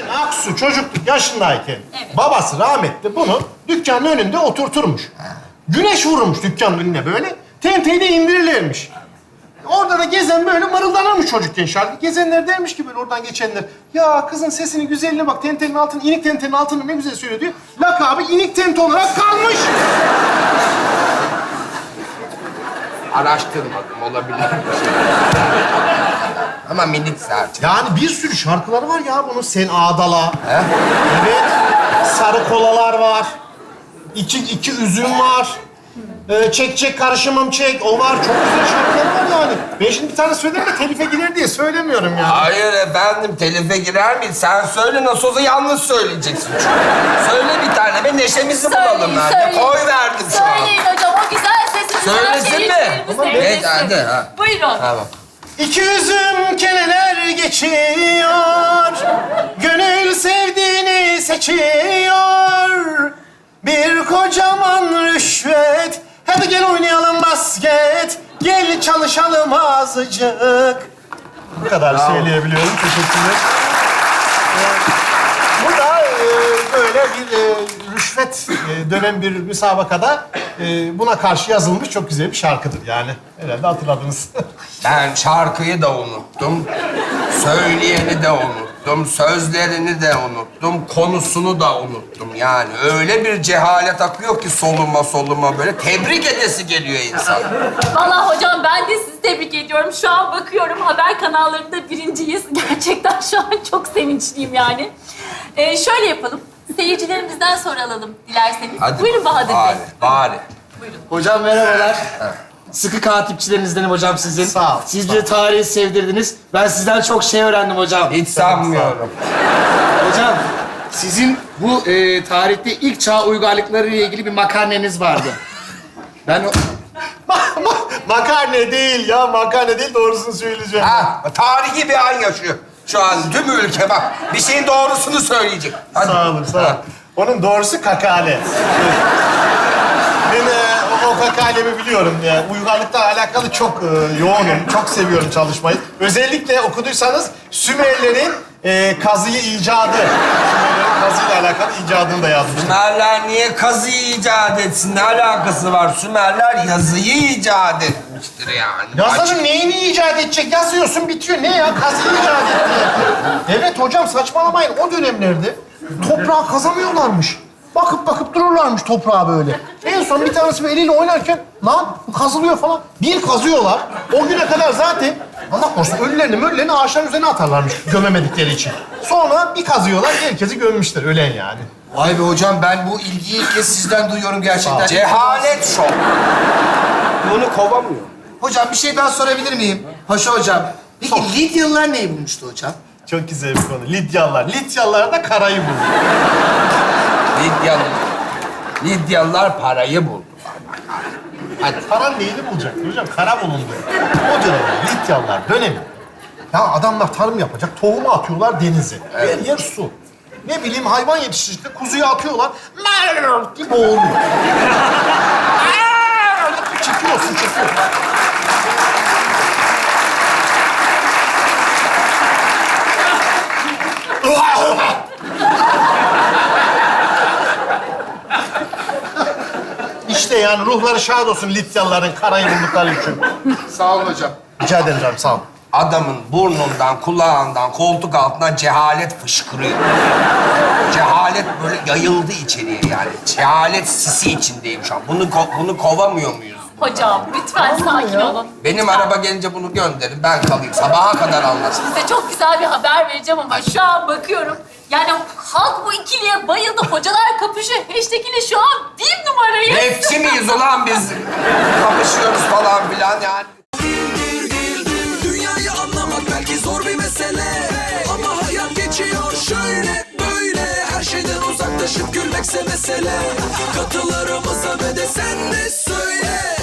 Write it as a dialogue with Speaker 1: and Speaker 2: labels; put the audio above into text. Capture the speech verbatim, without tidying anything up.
Speaker 1: Aksu çocukluk yaşındayken
Speaker 2: Evet.
Speaker 1: babası rahmetli bunu dükkanın önünde oturturmuş. Güneş vurmuş dükkanın önüne böyle. Tenteyi de indirirlermiş. Orada da gezen böyle mırıldanırmış çocukken şarkı. Gezenler dermiş ki böyle oradan geçenler. Ya kızın sesini güzelliğine bak tentenin altını, inik tentenin altını ne güzel söylüyor diyor. Lakabı inik tente olarak kalmış.
Speaker 3: Araştırmadım, olabilir. Ama minik sadece.
Speaker 1: Yani bir sürü şarkıları var ya bunun. Sen Ağdala.
Speaker 3: He?
Speaker 1: Evet. Sarı kolalar var. İki, iki üzüm var. Ee, çek çek karışımım çek. O var. Çok güzel şarkılar var yani. Ben şimdi bir tane söylerim de telife girer diye söylemiyorum yani.
Speaker 3: Hayır efendim, telife girer miyiz? Sen söyle, nasıl olsa yalnız söyleyeceksin çünkü. Söyle bir tane ve neşemizi bulalım yani.
Speaker 2: söyleyin.
Speaker 3: Koy verdim şu an.
Speaker 2: Söyleyin hocam, o güzel sesinizden
Speaker 3: Söylesin mi?
Speaker 2: seyircilerimiz
Speaker 3: Tamam,
Speaker 2: dinlesin.
Speaker 3: evet, hadi, ha.
Speaker 2: Buyurun.
Speaker 3: Tamam.
Speaker 1: İki üzüm keneler geçiyor. Gönül sevdiğini seçiyor. Bir kocaman rüşvet. Hadi gel oynayalım basket. Gel çalışalım azıcık. Bu kadar söyleyebiliyorum. Teşekkürler. Ee, Bu da e, böyle bir e, rüşvet e, dönen bir müsabakada e, buna karşı yazılmış çok güzel bir şarkıdır yani. Herhalde hatırladınız.
Speaker 3: Ben şarkıyı da unuttum. Söyleyeni de unuttum. Sözlerini de unuttum. Konusunu da unuttum. Yani öyle bir cehalet akıyor ki soluma soluma böyle. Tebrik edesi geliyor insan.
Speaker 2: Vallahi hocam ben de sizi tebrik ediyorum. Şu an bakıyorum haber kanallarında birinciyiz. Gerçekten şu an çok sevinçliyim yani. Ee, şöyle yapalım. Seyircilerimizden soru alalım dilerseniz.
Speaker 3: Hadi
Speaker 2: Buyurun Bahadır
Speaker 3: bari,
Speaker 2: Bey.
Speaker 3: bari.
Speaker 2: Buyurun.
Speaker 4: Hocam merhabalar. Sıkı katipçilerinizdenim hocam sizin.
Speaker 1: Sağ ol,
Speaker 4: Siz bize tarihi sevdirdiniz. Ben sizden çok şey öğrendim hocam.
Speaker 3: Hiç sanmıyorum.
Speaker 4: Hocam, sizin bu e, tarihte ilk çağ uygarlıkları ile ilgili bir makarneniz vardı. Ben o...
Speaker 1: Ma- ma- makarne değil ya, makarne değil doğrusunu söyleyeceğim.
Speaker 3: Ha, tarihi bir an yaşıyor. Şu an tüm ülke bak. Bir şeyin doğrusunu söyleyecek. Hadi.
Speaker 1: Sağ olun, sağ olun.
Speaker 3: Ha.
Speaker 1: Onun doğrusu kakale. Ben e, o, o kakalemi biliyorum. Yani uygarlıkla alakalı çok e, yoğunum, çok seviyorum çalışmayı. Özellikle okuduysanız Sümerlerin e, kazıyı icadı. Sümerlerin kazıyla alakalı icadını da yazmıştım.
Speaker 3: Sümerler niye kazıyı icat etsin? Ne alakası var? Sümerler yazıyı icat etmiştir yani.
Speaker 1: Yazarın neyini icat edecek? Yazıyorsun bitiyor. Ne ya? Kazıyı icat etti. Evet hocam saçmalamayın. O dönemlerde toprağı kazamıyorlarmış. Bakıp bakıp dururlarmış toprağa böyle. En son bir tanesi böyle eliyle oynarken lan bu kazılıyor falan. Bir kazıyorlar. O güne kadar zaten Allah korusun ölülerini möllerini ağaçların üzerine atarlarmış gömemedikleri için. Sonra bir kazıyorlar herkesi gömmüşler ölen yani.
Speaker 4: Vay be hocam, ben bu ilgiyi ilk kez sizden duyuyorum gerçekten.
Speaker 3: Cehalet şok. Bunu kovamıyor.
Speaker 4: Hocam bir şey daha sorabilir miyim? Paşa hocam. Peki
Speaker 1: Sor.
Speaker 4: Lidyalılar neyi bulmuştu hocam?
Speaker 1: Çok güzel bir konu. Lidyalılar. Lidyalılar da karayı buldu.
Speaker 3: Lidyalı. Lidyalılar parayı buldu.
Speaker 1: Hadi. Paran neyini bulacaktı hocam? Kara bulundu. O dönem Lidyalılar dönemi. Ya adamlar tarım yapacak, tohumu atıyorlar denize. Her yer su. Ne bileyim hayvan yetiştiricide kuzuyu atıyorlar. Merrrr diye boğuluyor. Çekiyor, su çekiyor. İşte yani ruhları şad olsun Lidyalıların karayı buldukları için.
Speaker 4: Sağ olun hocam.
Speaker 1: Rica ederim canım, sağ ol.
Speaker 3: Adamın burnundan, kulağından, koltuk altından cehalet fışkırıyor. Cehalet böyle yayıldı içeriye yani. Cehalet sisi içindeyim şu an. Bunu ko- bunu kovamıyor muyuz?
Speaker 2: Hocam lütfen sakin olun.
Speaker 3: Benim
Speaker 2: Lütfen.
Speaker 3: araba gelince bunu gönderin. Ben kalayım. Sabaha kadar anlasın.
Speaker 2: Size çok güzel bir haber vereceğim ama şu an bakıyorum. Yani halk bu ikiliye bayıldı. Hocalar kapışıyor. Hashtag ile şu an bir numarayı.
Speaker 3: Rapçi miyiz ulan biz? Kapışıyoruz falan filan yani.
Speaker 5: Dünyayı anlamak belki zor bir mesele, ama hayat geçiyor şöyle böyle. Her şeyden uzaklaşıp gülmekse mesele. Katılarımıza ve de sen de söyle.